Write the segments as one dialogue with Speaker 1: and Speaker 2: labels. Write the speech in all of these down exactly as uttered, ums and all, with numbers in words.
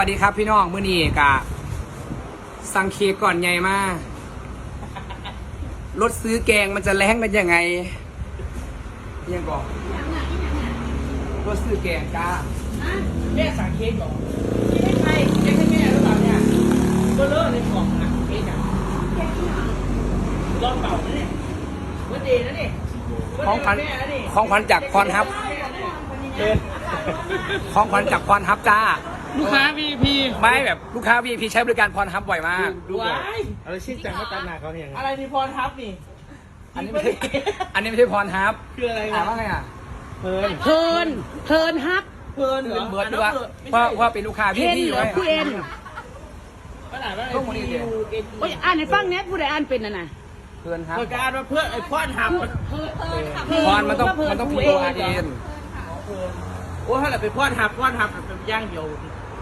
Speaker 1: สวัสดีครับพี่น้องมื้อนี้กะสั่งเค้กก่อนใหญ่มากรถซื้อแกงมันจะแรงกันยังไงยังบอกรถซื้อแกงจ้าแม่สั่งเค้กเหรอไม่ใช่เค้กให้แม่หรือเปล่าเนี่ยเบอร์เลอร์ในกล่องนะเค้กอ่ะรอบเป่านะเนี่ยวันเดย์นะเนี่ยของขวัญของขวัญจากพรฮับของขวัญจากพรฮับจ้า
Speaker 2: ลูกค้า วี ไอ พี
Speaker 1: ไม่แบบลูกค้า วี ไอ พี ใช้บริการพรฮับบ่อยมาก
Speaker 2: ดูบ่อย
Speaker 3: อะไรชื่อจังว่าตาหนาเขาเนี่ย
Speaker 2: อะไรมีพรทับนี่
Speaker 1: อันนี้ไม่ใช่อันนี้ไม่ใช่พรฮับ
Speaker 2: คืออะไร
Speaker 1: อ่านว่าไงอ่ะ
Speaker 3: เพลิน
Speaker 4: เพลินเพลินฮับ
Speaker 2: เพลินเหรอ
Speaker 1: เบิร์ดด้วยว่าว่าเป็นลูกค้า
Speaker 4: เพ
Speaker 1: พี่
Speaker 4: น
Speaker 1: ที่อ
Speaker 4: เห
Speaker 1: ยู่
Speaker 4: รอ
Speaker 1: ไว้
Speaker 4: ผู้เอ็น
Speaker 2: ขนาดว่า
Speaker 1: พวกมันนี่เดี๋ยว
Speaker 4: โอ้ยอ่านในฟังเนี้ยผู้ใดอ่านเป็นน่ะนะ
Speaker 1: เพื่อนครับ
Speaker 2: เปิดการมาเพื่อไอ้พรทับ
Speaker 1: พรมันต้องมันต้องพิมพ์ตัวอาร์เอ็น
Speaker 2: โอ้ถ้าเราไปพรทับพรทับเป็นย่างเดียว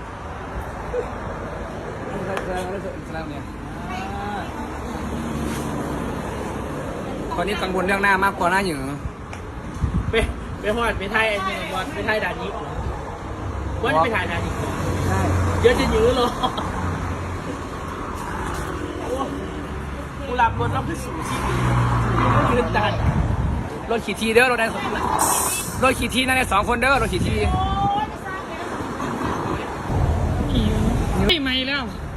Speaker 1: ตอนนี้กังวลเรื่องหน้ามากกว่าหน้าหยือ
Speaker 2: ไปไปพรไปไทยไอ้เนี่ยบอลไปไทยด่านนี้ว่าจะไปถ่ายด่านนี้
Speaker 1: ใช่
Speaker 2: เยอะจะยื้อหรอกูหลับบนรถขึ้นสู่ชีวิตยืนดัน
Speaker 1: รถขี่ทีเด้อรถได้รถขี่ทีนั่นได้สองคนเด้อรถขี่ที
Speaker 2: ไม่ไม่แล้ว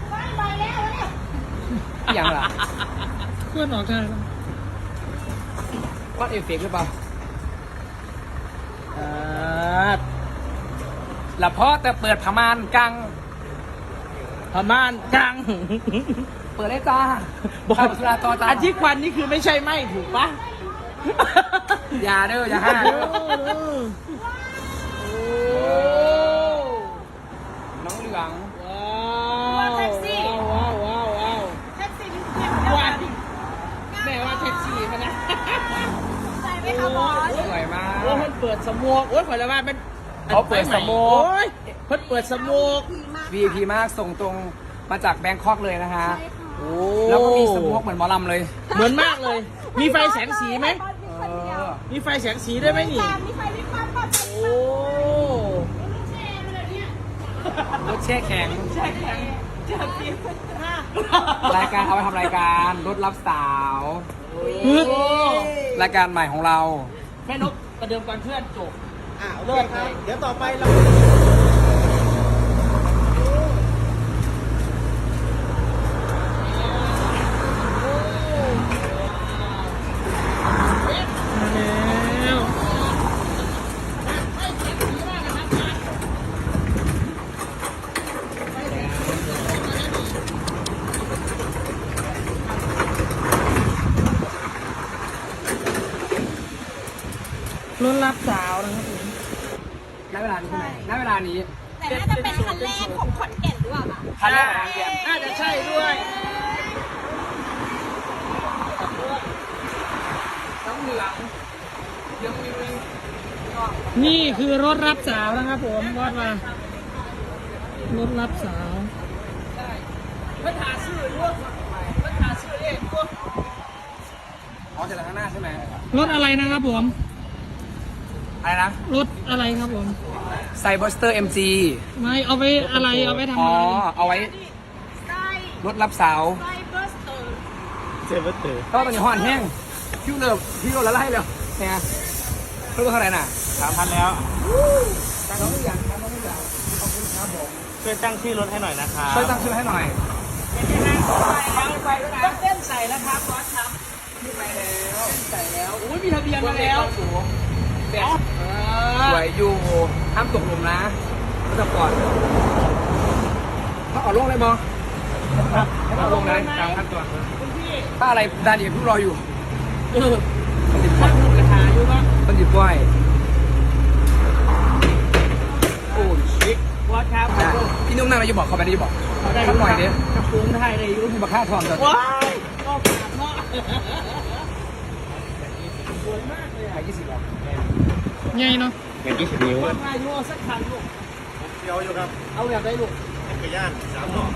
Speaker 1: อย่างไร
Speaker 2: เพื่อนออกทาง
Speaker 1: วัดเอฟเฟกต์หรือเปล่า
Speaker 2: อ่า
Speaker 1: ละเพราะแต่เปิดพม่านกัง
Speaker 2: พม่านกัง
Speaker 1: เปิดได้จ้า
Speaker 2: บอก
Speaker 1: สุราต่อจ้า
Speaker 2: อันที่ควันนี่คือไม่ใช่ไหมถูกปะ
Speaker 1: อย่าเด้ออย่าห้าเด้อน้องเหลือง
Speaker 2: ว้าวแท็กซี่ว้าวว้าวว้าวแท็กซี่ว้าวแม่ว่าแท็กซี่มันนะ
Speaker 4: ใส่ไหมคะบอส
Speaker 1: สวยมาก
Speaker 2: โอ้มันเปิดสโมกโอ้ยขอละว่ามัน
Speaker 1: เขาเปิดสโมก
Speaker 2: โอ้ยเพิ่นเปิดสโมก
Speaker 1: วี ไอ พี มากส่งตรงมาจากแบงคอกเลยนะฮะ
Speaker 2: โอ้
Speaker 1: แล้วก็มีสโมกเหมือนหมอลำเลย
Speaker 2: เหมือนมากเลย มีไฟแสงสีไหม
Speaker 1: เออ
Speaker 2: มีไฟแสงสีด้วยไหมนี่
Speaker 4: มีไฟวิบวับปับ
Speaker 2: โอ้
Speaker 1: รถแช่แข็ง
Speaker 2: ใช่แข็งเจ้าจริง
Speaker 1: รายการเอาไปทำรายการรถรับสาว
Speaker 2: โอ้
Speaker 1: รายการใหม่ของเรา
Speaker 2: แม่นกประเดิมก่อนเพื่อนจบ
Speaker 3: อ่าเลิกครับเดี๋ยวต่อไปเรา
Speaker 2: แล้วรถรับสาวนะครับผม
Speaker 1: ณเวลานี้ใช่ไหมณเวลานี้
Speaker 4: แต่น่าจะเป็นคันแรกของขอนแก่นหรือเปล่าคะ
Speaker 1: ทันแรกของเรียน
Speaker 2: น่าจะใช่ด้วย
Speaker 1: น้องเหลืองเหลืองมีมี
Speaker 2: นี่คือรถรับสาวนะครับผมวอดมารถรับสาว
Speaker 1: เพื่อนหาชื่อด้วยเพื่อนหาชื่อเองด้วยอ๋อจะข้างหน้าใช่ไหม
Speaker 2: รถอะไรนะครับผม
Speaker 1: อะไรนะ
Speaker 2: รถอะไรครับผม
Speaker 1: ไซบอสเตอร์เอ็มจี
Speaker 2: ไม่เอาไปอะไรเอาไปทำ
Speaker 1: อ๋อ
Speaker 2: อะไร
Speaker 1: เอาไว้
Speaker 4: ไส้
Speaker 1: รถรับสาว
Speaker 4: ไส้เบอร์สเตอร์
Speaker 3: เซเวอร์เตอร์
Speaker 1: ก็ตอนนี้ห่อนแห้งคิวเลิฟคิวละไล่เลยเนี่ยเพิ่มเท่าไหร่น่ะ
Speaker 3: สามพันแล้ว
Speaker 1: ตั้งน้องอย่างตั้งน้องอย่างขอบคุณครับผม
Speaker 3: ช่วยตั้งชื่อรถให้หน่อยนะคะ
Speaker 1: ช่วยตั้งชื่อให้หน่อย
Speaker 2: ไปด้วยนะเต้นใส่นะครับบอสครับ
Speaker 1: ไปแล้ว
Speaker 2: ใส่แล้วอุ้ยมีทะเบียนมาแล้ว
Speaker 1: เด็กสวยอยู่ห้ามตกหลุมนะก็จะก่อนถ้าออกลงเลยบอถ้าออกลงเลยตามขั้นตอน
Speaker 2: คุณพี่
Speaker 1: ถ้าอะไรดานเดียพี่รออยู่
Speaker 2: เออช่างหุ่นกระถาอยู่ปะ
Speaker 1: ต้นจิบก้อยโอ้ชิค
Speaker 2: บอสครับ
Speaker 1: พี่นุ่มนั่งอะไรอยู่บอกเขาไปได้อยู่บอก
Speaker 2: ได้
Speaker 1: ทำหน่อยดิ
Speaker 2: กระปุกไทยเลยอยู่
Speaker 1: มีบักค่าทองจอด
Speaker 2: ว้ายก็ขาดเนาะสวยมากเลย
Speaker 1: ขายยี่สิบบาท
Speaker 2: ไงเนาะ
Speaker 3: เงินยี่สิบนิ้ว
Speaker 2: บอสมาอยู่สักคันลูก
Speaker 3: เดียวอยู่ครับ
Speaker 2: เอาแบบได้ลูก
Speaker 3: จักรยานสามหน่อ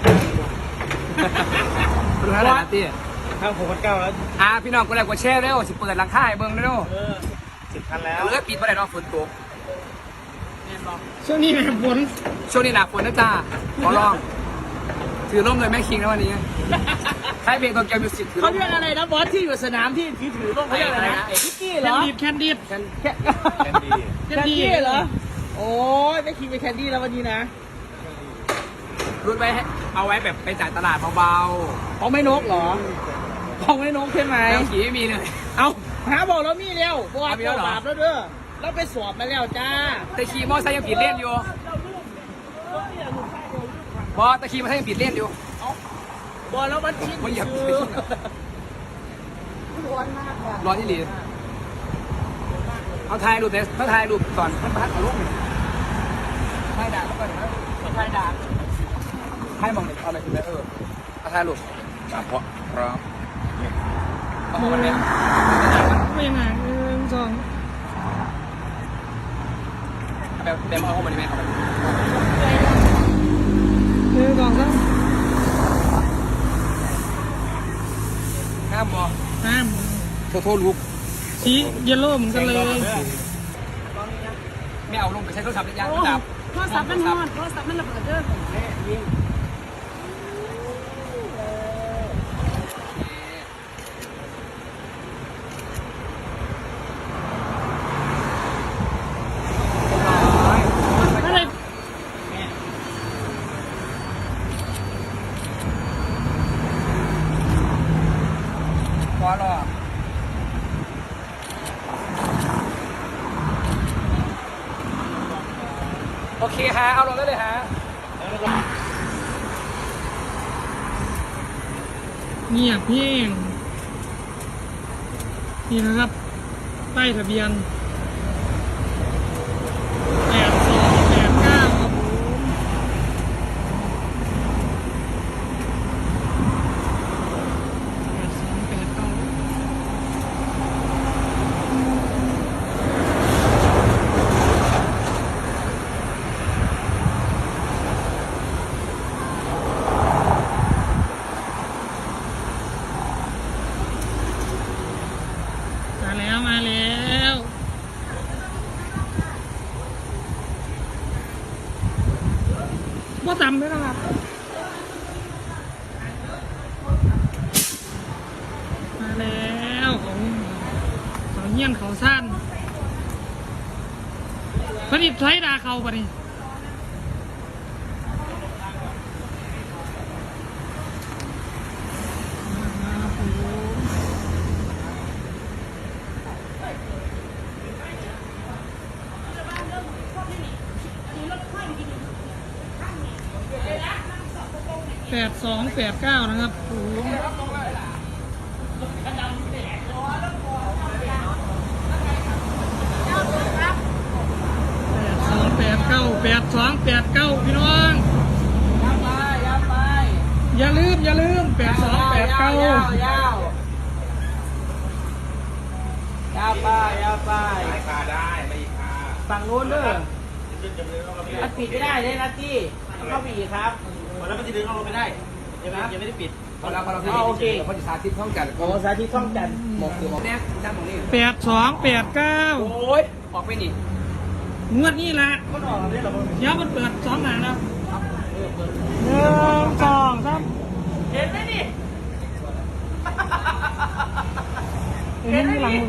Speaker 1: ดูท่าไหนนะตี้
Speaker 3: ข้างหกพันเก้าแล้ว
Speaker 1: อ่าพี่น้องก็เลยกดแชร์เร็วสิเปิดหลังค่ายเบิ้งเร็ว
Speaker 2: เออ
Speaker 3: สิบคันแล้ว
Speaker 1: เลือปิดมาได้เนาะฝนตก
Speaker 2: แม่นช่วงนี้แม่ฝน
Speaker 1: ช่วงนี้หนาฝนนะจ้าขอร้อง ถือร่มเลยแม่คิงนะวันนี้ใช้เพลงโตเกียวมิวสิกถือ
Speaker 2: เขา
Speaker 1: ร่ม
Speaker 2: เรียกอะไรนะบอสที่อยู่สนามที่ที่ถือร่มเขาเรียกอะไรนะพิกกี้เหรอแคนดี้แคนดี้แคนดี้แคนดี้เหรอโอ้ยไม่คิดไปแคนดี้แล้ววันนี้นะ
Speaker 1: รุ่นไว้ให้เอาไว้แบบไปจ่ายตลาดเบา
Speaker 2: ของไม่นกเหรอของไม่นกใช่ไหม
Speaker 1: ๆแล้วขี่ไม่มีเลย
Speaker 2: เอาหาบอกแล้วมีเร็วบอส
Speaker 1: มีแล้วเหรอ
Speaker 2: บาปแล้วเด้อเราไปสอบมาแล้วจ้า
Speaker 1: แต่ขี่มอเตอร์ไซค์ยังผิดเล่นอยู่บอสแต่ขี่มอเตอร์ไซค์ยังผิดเล่นอยู่
Speaker 2: บอสแล้วมันชิด
Speaker 1: มันเหยียบ
Speaker 2: คือ
Speaker 1: ร้อนที่หลีเอาถ่ายรูปเนี่ยเขาถ่ายรูปก่อนท่านประธานเอารูปหนึ่งถ่ายด่าเขาก่อนนะถ่ายด่าให้มองเลยเอาอะไรคุณแม่เออเอาถ่ายรูปตามเพราะพร้อมเอาคนนี้
Speaker 2: ไม่ยังไงหนึ่งสอง
Speaker 1: แบบแบบเอาเข้ามาดีไหมเอาไป
Speaker 2: หนึ่งสองสาม
Speaker 1: ห้ามบอ
Speaker 2: ห้าม
Speaker 1: โทษโทษลูก
Speaker 2: สีเยลโล่เหมือนกันเลย
Speaker 1: ไม่เอาลงไปใช้โทรศัพท์ยางดับ
Speaker 4: โทรศัพท์มันฮอดโทรศัพท์มันระเบิดเด้อ
Speaker 2: อะไร
Speaker 1: พอหรอโอเคฮะเอาลงได้เลยฮะ
Speaker 2: เงียบเพียงนี่นะครับป้ายทะเบียนแปดสองแปดเก้าครับผมแปดสองแปดเก้า มาแล้วมาแล้วว่าต่ำด้วยนะครับ มาแล้วของของเงี้ยนเขาสั้นผลิตไทยดาเขาปะนี่ครับผม แปดสองแปดเก้านะครับโอ้โหแปดสองแปดเก้าแปดสองแปดเก้าพี่น้อง
Speaker 1: ยับไปยับไป
Speaker 2: อย่าลืมอย่าลืมแปดสองแปดเก้าย
Speaker 1: าวยาวยาวไปยาวไป
Speaker 3: คาได้ไม่คา
Speaker 1: ฝั่งนู้นเด้ออัดปิดไม่ได้เลยนะที่เข้าไปอีกครับ
Speaker 3: แล้วมันจะดึงเอาลงไปได้ยังไม่ยังไม่ได้ปิด
Speaker 1: พอเราพอเราโอเคพอจะสาธิตท่องกัน
Speaker 3: โอ้สาธิตช่องจันทร์
Speaker 1: หมกคือหมกเนี่ยจ้างหมกนี่
Speaker 2: แปดสองแปดเก้า
Speaker 1: โอ้ยออกไปนี่
Speaker 2: งวดนี้ละ
Speaker 3: ก็ออกมาได้หรอ
Speaker 2: เดี๋ยวมันเปิดสองหนาแล้วหนึ่งสองสาม
Speaker 1: เห็นไหมนี่
Speaker 2: เห็นที่หลังมึง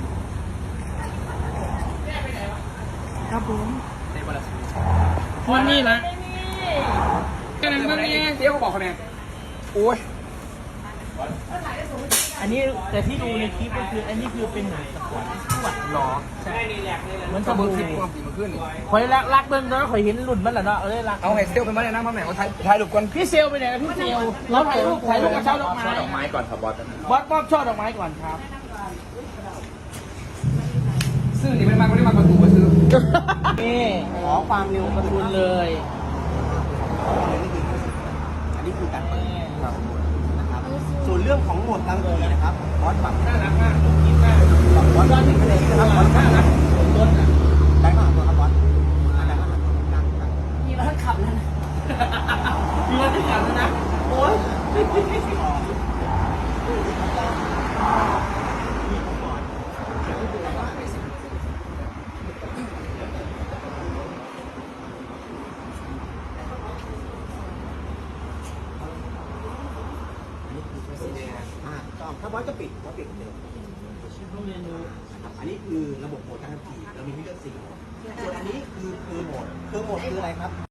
Speaker 2: ครับผม
Speaker 1: เต็มหมดแล้ว
Speaker 2: งวดนี้ละกำลังเมื่อกี้
Speaker 1: เดี๋ยวเขาบอกเขาเนี่ยโอ้ย
Speaker 3: อันนี้แต่ที่ดูในคลิปก็คืออันนี้คือเป็นหนังสปอร์ตสวด
Speaker 1: หรอ
Speaker 3: ใช่เหมือน
Speaker 1: ก็
Speaker 3: กับ
Speaker 1: เบิ้
Speaker 3: เบิ้
Speaker 1: ง
Speaker 3: ง
Speaker 1: ค
Speaker 3: ค
Speaker 1: ลิ
Speaker 3: ลิ
Speaker 1: ป
Speaker 3: ป
Speaker 1: ความสีมันขึ้นนี่
Speaker 3: คอยรักรักเบิ้งแล้วคอยเห็นรุ่นมันแหละเนาะเอ้ยรัก
Speaker 1: เอาไงเซลเป็นมาเลยนะพ่อแม่เขาถ่ายถ่ายรูปก่อน
Speaker 2: พี่เซลไปไหนนะพี่เซลเราถ่ายรูปถ่ายรูปกับช่อดอกไม้
Speaker 3: ดอกไม้ก่อนครับบอส
Speaker 2: บอสมอบช่อดอกไม้ก่อนครับ
Speaker 1: ซื้อนี่มันมาไม่ได้มาประตูมาซื้อ
Speaker 2: นี่ขอความเร็วกระทุนเลย
Speaker 3: อันนี้คือการเปิดครับนะครับส่วนเรื่องของโหมดกลางคืนนะครับบอสปรับน่ารักมากคิดมากบอสยอดถึงคะแนนนะครับบอสน่ารักต้นนะได้มากตัวครับบอสได้มากตัวกลางกลาง
Speaker 4: มีรถขับแล้วนะ
Speaker 3: มีรถที่ขับแล้วนะโอ้ยออกถ้าบอสจะปิดบอสปิดเดิมนะครับอันนี้คือระบบโหมดการขับขี่เรามีให้เลือกสี่โหมดส่วนอันนี้คือคือโหมดคือโหมดคืออะไรครับ